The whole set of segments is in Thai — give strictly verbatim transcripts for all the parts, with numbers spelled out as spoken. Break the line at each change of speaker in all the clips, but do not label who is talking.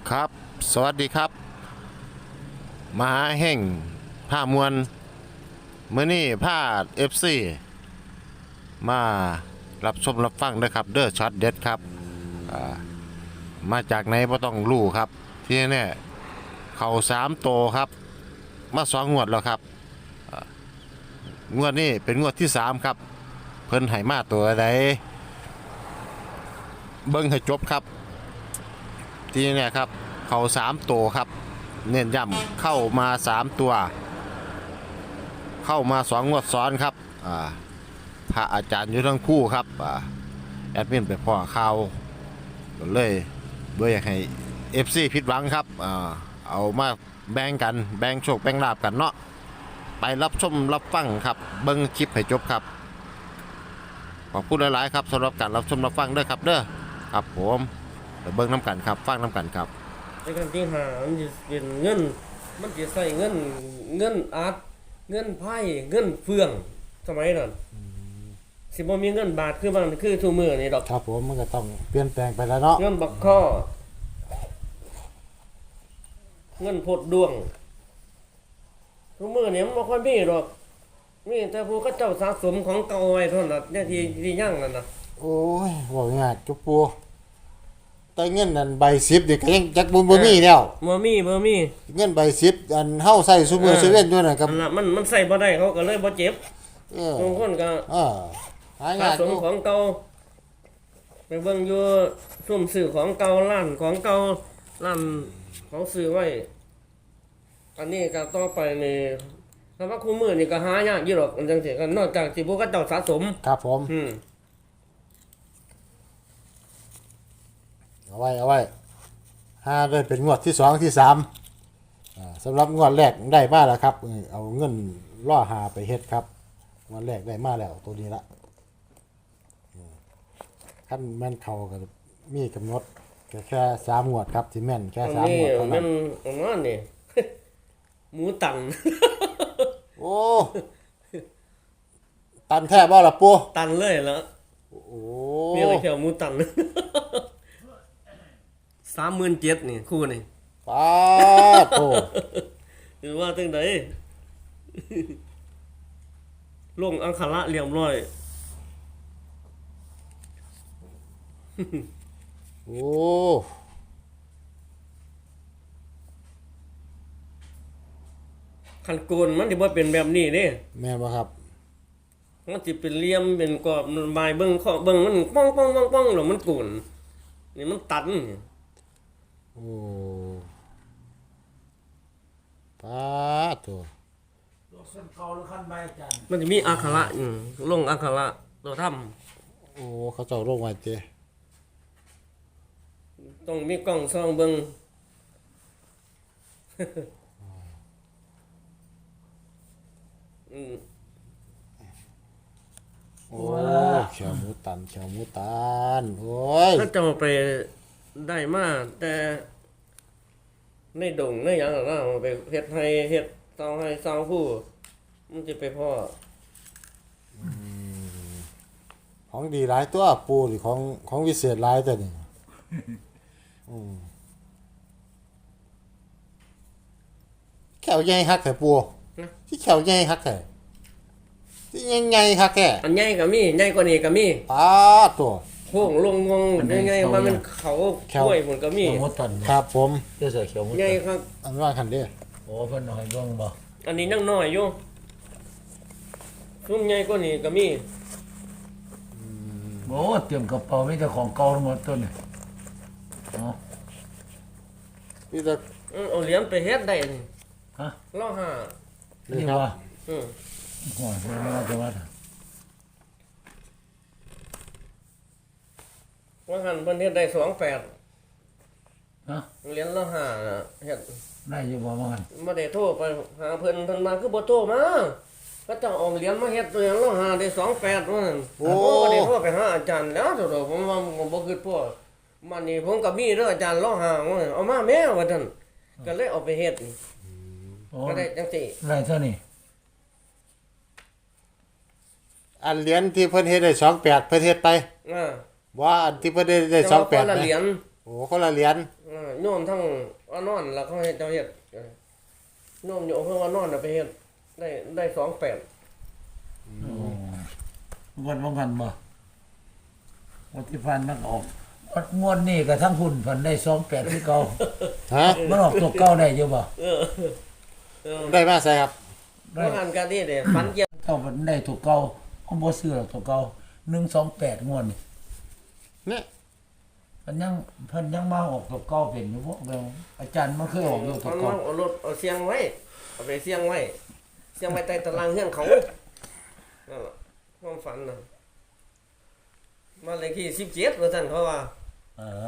ครับสวัสดีครับมหาแห่งผ้ามวลเมื่อนี้ผ้าเอฟซีมารับชมรับฟังนะครับเด้อช็อตเด็ดครับอ่ามาจากไหนบ่ต้องรู้ครับที่นี่เขาสามโตครับมาสองงวดแล้วครับอ่างวดนี้เป็นงวดที่สามครับเพิ่นให้มาตัวใดเบิ่งให้จบครับที่นี่ครับเขาสามโตครับเน้นย้ำเข้ามาสามตัวเข้ามาสองงวดซ้อนครับอ่าพระอาจารย์อยู่ทั้งคู่ครับอ่าแอดมินไปพ่อข่าวก็เลยด้วยอยากให้ เอฟ ซี ผิดหวังครับอ่าเอามาแบ่งกันแบ่งโชคแบ่งลาบกันเนาะไปรับชมรับฟังครับเบิ่งคลิปให้จบครับขอบคุณหลายๆครับสำหรับการรับชมรับฟังด้วยครับเด้อครับผมเดี๋ยวเบิ่งน้ำกันครับฟังน้ำกันครับ
ในการที่หามันจะเป็นเงินมันจะใส่เงินเงินอาร์ตเงินไพ่เงินเฟืองสมัยนั้นสิบ่มีเงินบาทคือมันคือทุกมื้อนี่ดอก
ครับผมมันก็ต้องเปลี่ยนแปลงไปแล้วเนาะ
เงินบักข้อเงินพดดวงทุกมื้อนี่มันบ่ค่อยมีดอกมีแต่ผู้เขาเจ้าสะสมของเก่าไว้เท่านั้นเนี่ยที่ที่ยั่งนั่นน่ะ
โอ้ยบอกง่ายจุกปูแต่เงินนั่นใบสิบนี่ก็ยังจักบ่บ่มีแล้ว
บ่มีบ่มี
เงินใบสิบอันเฮาใช้ซุมื้อซุเว้นอยู่นั่นครับ
นั่นล่ะมันมันใส่บ่ได้เขาก็เลยบ่เจ็บ
เออบ
างคนก็
เออหายา
สะ
ก
สมของเก่าไปเบิ่งอยู่ซุ่มซื้อของเก่าร้านของเก่าร้านของซื้อไว้อันนี้ก็ต่อไปนี่ถ้าว่าคู่มือนี่ก็หายากอยู่หรอกอันจังซี่ก็นอกจากสิพวกเขาเจ้าสะสม
ครับผม
อืม
เอาไว้เอาไว้ห้าได้เป็นงวดที่สองที่สามอ่าสำหรับงวดแรกได้มาแล้วครับเออเอาเงินล่อหาไปเฮ็ดครับงวดแรกได้มาแล้วตัวนี้ละขั้นแม่นเขาก็มีกำหนดแค่แค่สามงวดครับที่แม่นแค่
อัน
สาม
นี้
งวดเท่านั้
มัน นอันนั้นนี่ หมูตัน
โอ้ตันแท้บ่ล่ะปู
ตันเลยแล้ว
โอ้
มีอะไรแค่หมูตัน สามหมื่นเจ็ดนี่คู่นี่
ป้าโต
หรือว่าจังได ลงอังคาระเรียบร้อย
โอ้
คันโกนมันสิบ่เป็นแบบนี้เด้
แม่นบ่ครับ
มันสิเป็นเหลี่ยมเป็นกรอบใบเบิ่งข้อเบิ่งมันป้องป้องป้องป้องแล้วมันโกนนี่มันตัน
โอ้ป้าโต
มันจะมีอักขระอืมลงอักขระตัวทำ
โอ้เขาเจ้าลงไว้เจ้
ต้องมีกล้องส่องเบิ่ง อืม
โอ้เขียวหมูตันเขียวหมูตันโอ้ย
ถ้าจะไปได้มาแต่ในดงในหยังน่ะนะเอาไปเฮ็ดให้เฮ็ดเซาให้เซาผู้มันสิไปพ่อ
ของดีหลายตัวปูหรือของของวิเศษหลายตัวนี่อืมแขวใหญ่ฮักแท้ปูที่แขวใหญ่ฮักแท้ที่ยังไงฮักแท้
อันใหญ่ก็มีใหญ่กว่านี้ก็มี
ป้าตัว
โค้งลงงงยังไงว่ามันเขากล้วยมันก็มี
เขียวมดตัน
ครับผม
เจ้าเสือเขียวมด
ใหญ่
ตัน
ครับ
อันว่าคันเด้อ
โอ้เพิ่นเอาให้เบิ่งบ่
อันนี้ยังน้อยอยู่ซุ่มใหญ่กว่านี้ก็มี
โอ้เตรียมกระเป๋ามีแต่ของเก่าทั้งหมดต้นนี่เนาะ
นี่จะ
เอาเหรียญไปเฮ็ดได้นี่
ฮะ
ล้อห้า
นี่ว่า
อือ
โอ้ยบ่ว่าจะว่า
ว่าหันเพิ่นเฮ็ดได้สองแปด
ฮะ
เหรียญละห้าน่ะเฮ็ด
ได้อยู่บ่ว่าหั่น
บ่ได้โทรไปหาเพิ่นเพิ่นมาคือบ่โทรมาก็ต้องเอาเหรียญมาเฮ็ดเหรียญละห้าได้สองแปดว่าซั่นโอ้บ่ได้โทรไปหาอาจารย์แล้วเด้อผมว่าผมบ่คิดพอมันนี่ผมก็มีเด้ออาจารย์ละห้าว่าเอามาแม่ว่าซั่นก็เลยเอาไปเฮ็ดก็ได้จังซี่
ได้เท่านี้
อันเหรียญที่เพิ่นเฮ็ดได้สองแปดเพิ่นเฮ็ดไป
อ่า
ว่าอันที่เพิ่นได้ได้สองแปด
เหรียญ
โอ้คนละเหรียญ
อ่าโยมทั้งว่านอนแล้วเขาให้เจ้าเฮ็ดเออโยมโยมเพิ่นว่านอนน่ะไปเฮ็ดได้ได้สองแปด
โอ้งวดว่างกันบ่งวดที่พันมันออกงวดงวดนี้ก็ทั้งหุ่นพันได้สองแปดที่เก่า
ฮะ
มันออกตัวเก่าได้อยู่บ่
เออเออ
ได้มาใส่ครับ
ได้
ว่าหันกันนี่เด้ฟันเกี่ยว
เก่ามันได้ตัวเก่าเขาบ่ซื้อหรอกตัวเก่าหนึ่งสองแปดงวดนี่
เนี่ย
เพิ่นยังเพิ่นยังมาออกตัวเก่าเป็นอยู่บ่แล้วอาจารย์มันเคยออกอยู่ตั
มั
วน เก่า
เอารถเอาเสียงไว้เอาไปเสียงไว้เสียงไว้ใต้ตารางเฮือนเขานั่นล่ะความฝันน่ะมานเลขที่สิบเจ็ดว่าซั่นเขาว่า
เออง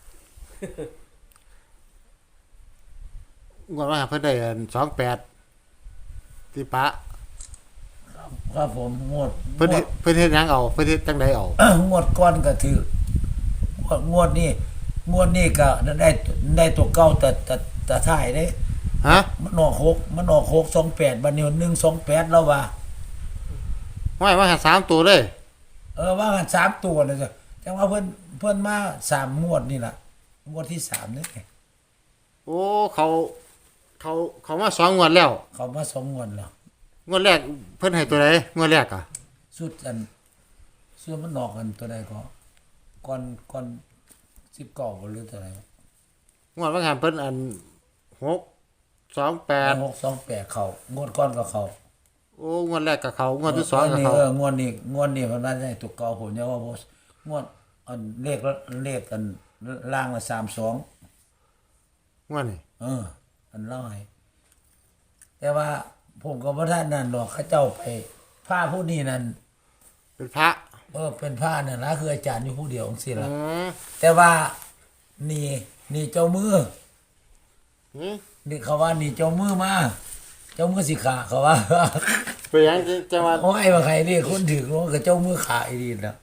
วดว่าเพิ่นได้สองแปดที่ปะ
ครับผมงวด
เพิ่น
งว
เฮ็
ด
ดเพิ่นเฮ็ดหยังเอาเพิ่นเฮ็ดจังไดเอา
งวดก้อนก็ถือ งวดงวดนี้งวดนี้ก็ได้ได้ตัวเก่าแต่แต่แต่ท้ายเด้
ฮะ
มันออกหกมันออกหกสองแปดบัดนี้หนึ่งสองแปดแล้วว่า
ไม่ว่าหาสามตัวเลย
เออว่ากันสามตัวเลยจ้ะจังว่าเพิ่นเพิ่นมาสามงวดนี่ล่ะงวดที่สามนี่
โอ้เขาเขาเขามาสองงวดแล้ว
เขามาสองงวดแล้ว
งวดแรกเพิ่นให้ตัวใดงวดแรกอ่ะ
สุดอันส่วนมันออกกันตัวใดก็ก่อนก่อนสิบเก้าหรือตัวใด
งวดว่าหันเพิ่นอันหกสองแปด
หกสองแปดเขางวดก้อนก็เขา
โอ้งวดแรกกับเขางวดที่สองกับ
นี่
เขา
เอองวดนี้งวดนี้มันน่าจะได้ตัวเก่าผมเนี่ยว่าบ่งวดอันเลขละเลขอันล่างละสามสอง
งวดนี่
เออ อันเล่าให้แต่ว่าผมก็บ่ทันนั่นดอกเขาเจ้าไปผ้าผู้นี้นั่น
เป็นพระ
เออเป็นผ้านั่นนะคืออาจารย์อยู่ผู้เดียวจังซี่
อื
ล่ะ
ม
แต่ว่านี่นี่เจ้ามือ
หืม
นี่เขาว่านี่เจ้ามือมาเจ้ามือสิขาเขาว่า
ไปหยังจังหวัด
โอ้ยว่าใครเรียกคนถึงว่าก็เจ้ามือขาอีดีนะ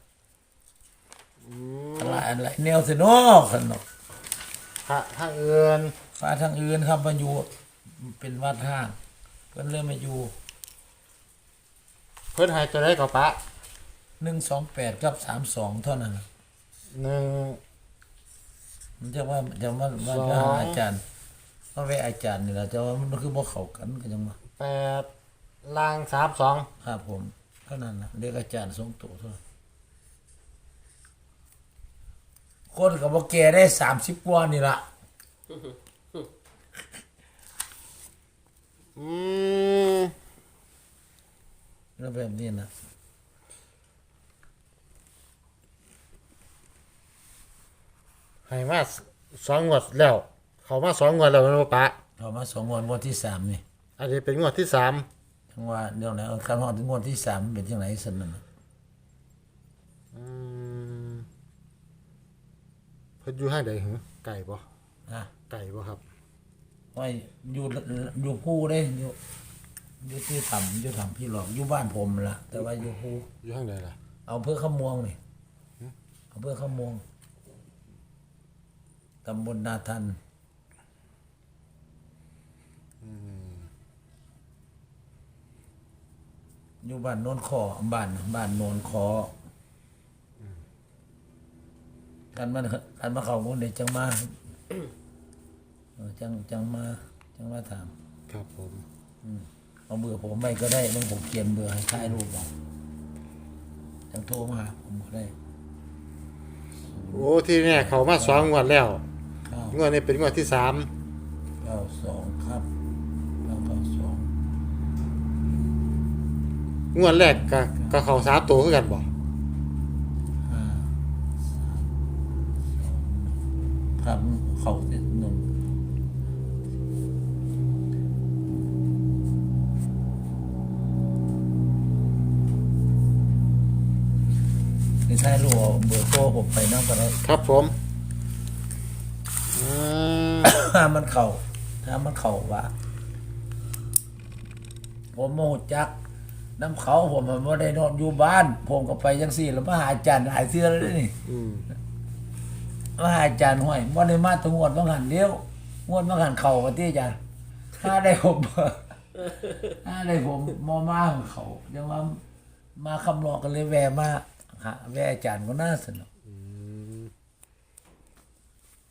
อะไรอะไรแนวสิเนาะขนม
พระทางอื่น
ฟ้าทางอื่นครับมาอยู่เป็นวัดห้างเพิ่นเลยมาอยู่
เพิ่นให้ตัวใดกับปะ
หนึ่งสองแปดกับสามสองเท่านั้นน่ะ
หนึ่ง
มันจะว่าจะว่าว่า
สอง
จะหาอาจารย์ว่าไปอาจารย์นี่แหละแต่ว่ามันคือบ่เข้ากันก็จังว่า
แปดล่างสามสอง
ครับผมเท่านั้นนะเรียกอาจารย์ทรงโตเท่านั้นคนก็บ่แก่ได้สามสิบกว่านี่ล่ะ
อืม
แล้วแบบนี้นะ
ให้มาสองงวดแล้ว เขามาสองงวดแล้วแมันบ่ปะ
เอามาสองงวดงวดที่สามนี่
อันนี้เป็นงวดที่สาม
ทั้งว่าเดี๋ยวไหนเอาคันฮอดถึงงวดที่สามมันเป็นจังไดซั่นนั่นน่ะ
อืมเพิ่นอยู่ห้างใดหึไก่บ่
นะ
ไก่บ่ครับ
ว่าอยู่อยู่ภูเด้อยู่อยู่ที่ถ้ำอยู่ถ้ำพี่หลอกอยู่บ้านผมล่ะ แต่ว่าอยู่ภู
อยู่ห้างใดล่ะ
เอาเพื่อขมวงนี่เอาเพื่อขมวงตำบลนาทันอยู่บ้านโนนคอบ้านบ้านโนนคอกันมันกันมาเข้าคนเด็จังมาเออจังจังมาจังมาถาม
ครับผม
เอาเบอร์ผมไปก็ได้บางผมเขียนเบอร์ให้ถ่ายรูปเอาจังโทรมาหาผมก็ได้
โอ้ที่เนี่ยเขามาสองงวดแล้ว
เก้าง
วดนี้เป็นงวดที่สาม
เก้าสองครับเก้าเก้าสอง
งวดแรกก็ก็เขาสามตัวคือกันบ่
ห้าสามสองครับเขาติดหนึ่งนี่ถ่ายรูปเอาเบอร์โทรผมไปนั่งกันได้
ครับผมอืม
ถ้ามันเข่าถ้ามันเข่าว่า ผมโมโหจักน้ำเขาผมมันไม่ได้นอนอยู่บ้าน ผมก็ไปยังสี่แล้วมาหาอาจารย์หลายเทื่อแล้วนี่
อืม
มาหาอาจารย์ห้วยว่าได้มาถึงงวดบางหันเดียวงวดบางหันเข่ากันที่อาจารย์ถ้าได้ผม ถ้าได้ผมมอมาของเขาเดี๋ยวว่ามาคำนองกันเลยแวะมาหาแวะอาจารย์ก็น่าสนุก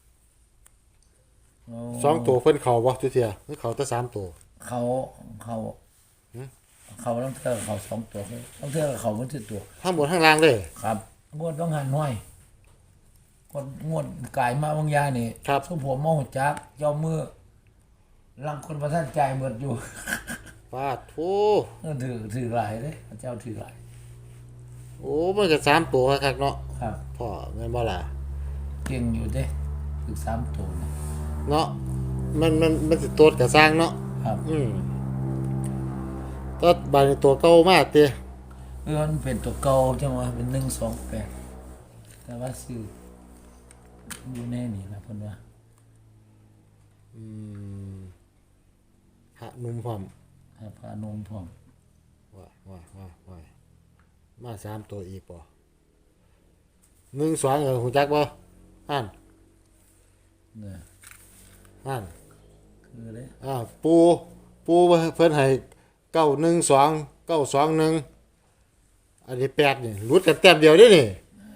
โอ้
สองตัวเพิ่นเข้าบ่ทุกเที่ยหรือเข้าแต่สามตัว
เขาเขาเขาต้องเทื่อเขาสองตัวต้องเทื่อเขามันสิตัว
ทั้งบนทั้งล่างเลย
ครับงวดต้องหันห้อยกดงวดกายมาบางอยางนี่
ครับ
สุผมมองจักเจ้ามือลังคนประท่านใจายหมดอยู่
ปาดโอ้
เออถือถือหลายเลยเจ้าถือหลาย
โอ้มันก็สามตัวคักๆเนาะ
ครับ
พ่อแม่นบ่ล่ะ
เก่งอยู่เด้ถือสามตัวนะ
เนาะมันมันมันสิตัวก็สร้างเนาะ
ครับ
อืมก็บาดนี้ตัวเก่ามากติ
เออมันเป็นตัวเก่าจังหวะเป็นหนึ่งสองแปดแต่ว่าซื้ออยู่แน่นี่นะเพิ่นว่า
อืมหะนุ่มพร้อม
ให้พานมพร้อม
ว่าว่าว่าว่ามาสามตัวอีกบ่หนึ่งสองเออฮู้จักบ่อ่าน
เนี่ย
อ่าน
คือเลย
อ่าปูปูเพิ่นให้เก้าหนึ่งสองเก้าสองหนึ่งอันนี้แปดนี่หลุดกันแต้มเดียวเด้นี่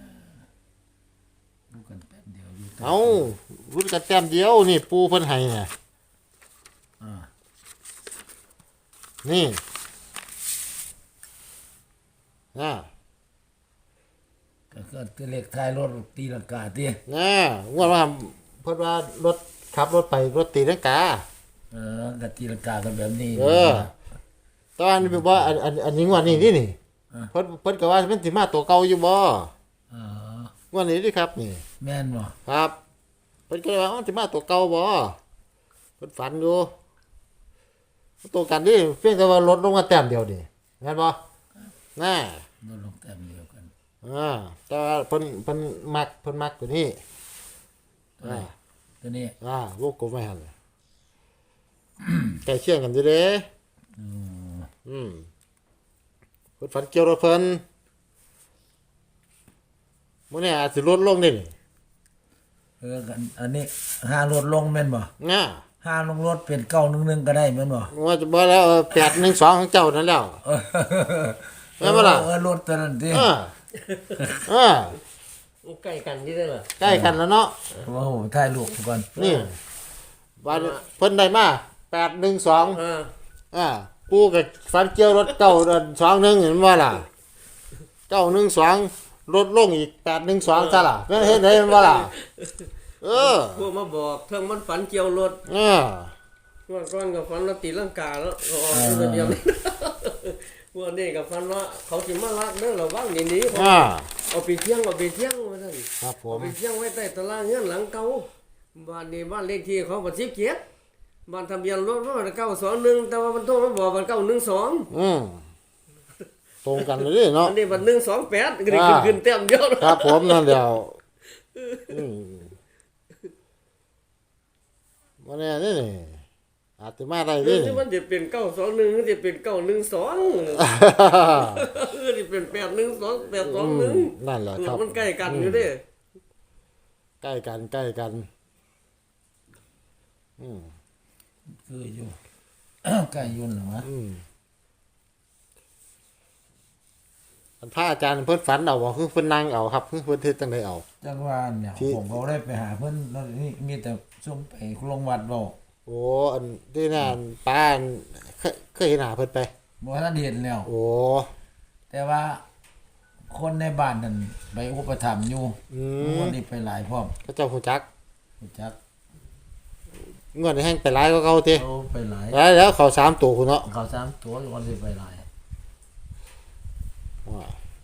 ดูกันแป๊บเดียวอยู่
เอาหลุดกันแต้มเดียวนี่ปูเพิ่นให้น่ะ
อ่า
นี่น่ะ
ก็ก็ตัวเลขท้ายรถตีลังกาติ
น่ะงวดว่าเพิ่นว่ารถขับรถไปรถตีลังกา
เออก็ตีลังกากันแบบนี้
เออ ตอนนี้ว่าอันอันอันนี้งวดนี้นี่นี่เพิ่นเพิ่นก็ว่ามันสิมาตัวเก่าอยู่บ่
อ๋อง
วดนี้ดิครับนี่
แม่นบ่
ครับเพิ่นก็เลยว่ามันสิมาตัวเก่าบ่เพิ่นฝันอยู่ตัวกันดิเพียงแต่ว่าลดลงมาแต้มเดียวนี่แม่นบ่น่า
ลดลงแต้มเดียวกัน
อ่าแต่ว่าเพิ่นเพิ่นมักเพิ่นมักตัวนี้
ตัวนี้ตัวนี้
อ่าวงกลมไว้หั่นใกล้เคียงกันอยู่เด้
อืม
อืมเพิ่นฝันเกี่ยวรถเพิ่นมื้อนี้อาจสิลดลงได้นี่
เออกันอันนี้ห้ารถลงแม่นบ่
น่า
ห้าลงรถเป็นเก้าหนึ่งหนึ่งก็ได้แม่นบ่
ว่าจะบ่แล้วแปดหนึ่งสองของเจ้านั่นแล้ว
เออ
แม่นบ่ล่ะ
เออรถตัวนั้นติ
เออเออ
ใกล้กันนี่ได้ล่ะ
ใกล้กันแล้วเนาะ
ว่าโหถ่ายรูปก่อน
นี่ว่าเพิ่นได้มาแปดหนึ่งสอง
อ่า
อ่าปูกับฟันเกี่ยวรถเก้าเดินสองหนึ่งเห็นว่าล่ะเก้าหนึ่งสองรถลงอีกแปดหนึ่งสองซะล่ะแม่นเห็นได้เห็นว่าล่ะเออ
พวกมาบอกเพิ่งมันฝันเกี่ยวรถ
เออ
วันก่อนกับฝันว่าตีลังกาแล้วก็ออกตัวเดียวนี่ วันนี้กับฝันว่าเขาสิมาลักเด้อระวังนี่นี้
อ่า
เอาไปเที่ยงเอาไปเที่ยงว่าซั่น
ครับผ
เอา
ม
ไปเที่ยงไว้ใต้ตารางเงินหลังเก่าบ้านนี้บ้านเลขที่เขาบ่สิบเกียรติบ้านทะเบียนรถว่าเก้าสองหนึ่งแต่ว่ามันโทรมาบอกว่าเก้าหนึ่งสอง
อืมตรงกันเลยเด้เนาะ
อันนี้มันหนึ่งสองแปดก็ได้ขึ้นขึ้นเต็มเดียว
ครับผมนั่นเดียวอืมวันนี้นี่นี่อาจจะมาได้
หรื
เด้
อ
นี่
มันจะเป็นเก้าสองหนึ่งหรือจะเป็นเก้าหนึ่งสองหรือจะเป็นแปดหนึ่งสองแปดสองหนึ่ง
นั่นแหละครับ
มันใกล้กันอยู่เด้
ใกล้กันใกล้กันอืม
คืออยู่ ใกล้ยุ่นเหรอวะ
อืมอันพระอาจารย์เพิ่นฝันเอาบ่คือเพิ่นนั่งเอาครับคือเพิ่นเฮ็ดจังไดเอา
จังหวะเนี่ย
ที่
ผมเขาได้ไปหาเพิ่นแล้วนี่มีแต่ซุ่มไปลงวัดบ่
โอ้อันที่นั่นป้าอันเคยเคยเห็นหน้าเพิ่นไป
บ่ทันเห็นแล้ว
โอ้
แต่ว่าคนในบ้านนั่นไปอุปถัมภ์อยู่
อืม
วันนี้ไปหลายพร้อม
พระเจ้าฮู้จัก
รู้จัก
งวดนี้แฮงไปหลายกว่าเก่าติ
เขาไปหลาย
แล้วแล้วเขาสามตัวพุ่นเนาะ
เขาสามตัวอยู่วันสิไปหลาย
ว่า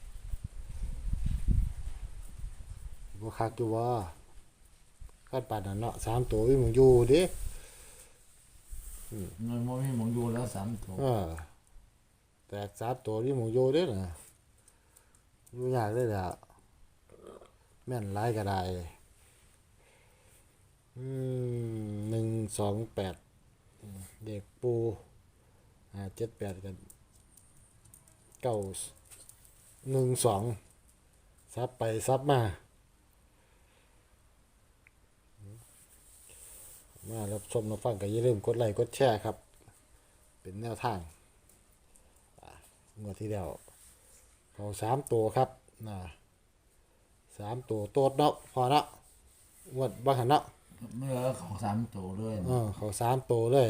บ่คักอยู่ว่าคันปานนั้นเนาะสามตัวมีหมึงอยู่เด้
มันบ่มีหมองอยู่แล้วสามตัว
เออแต่สามตัวมีหมึงอยู่เด้น่ะอยู่ยากเด้ล่ะแม่นหลายก็ได้อืมหนึ่งสองแปดเด็กปูอ่าเจ็ดแปดกันเก้าหนึ่งสองซับไปซับมามารับชมรับฟังก็อย่าลืมกดไลค์กดแชร์ครับ เป็นแนวทางอ่างวดที่แล้วเขาสามตัวครับนะสามตัวโตดเนาะพอเนาะงวดบ้างหันเนาะ
คเมื่อเขาสามตัวเลย
เออเขาสามตัวเลย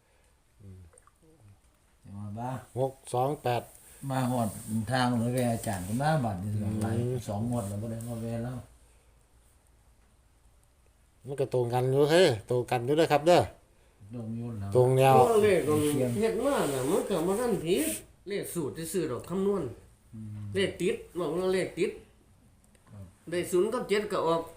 จะมาบ้า
หกสองแปด
มาหอดทางเลยเวอาจารย์ก็มาบัดนี่สองหลายสองงวดแล้วบ่ได้มาเวแล้ว
มันก็ตรงกันอยู่เฮ้ยตรงกันอยู่เด้อครับเด้อ
ลงยุ่นแล้ว
ตรงแนว
ตัวเลขมันเฮ็ดมาน่ะมันก็บ่ทันผิดเลขสูตรซื่อๆดอกคำนวณเลขติดบอกว่าเลขติดได้ศูนย์กับเจ็ดก็ออก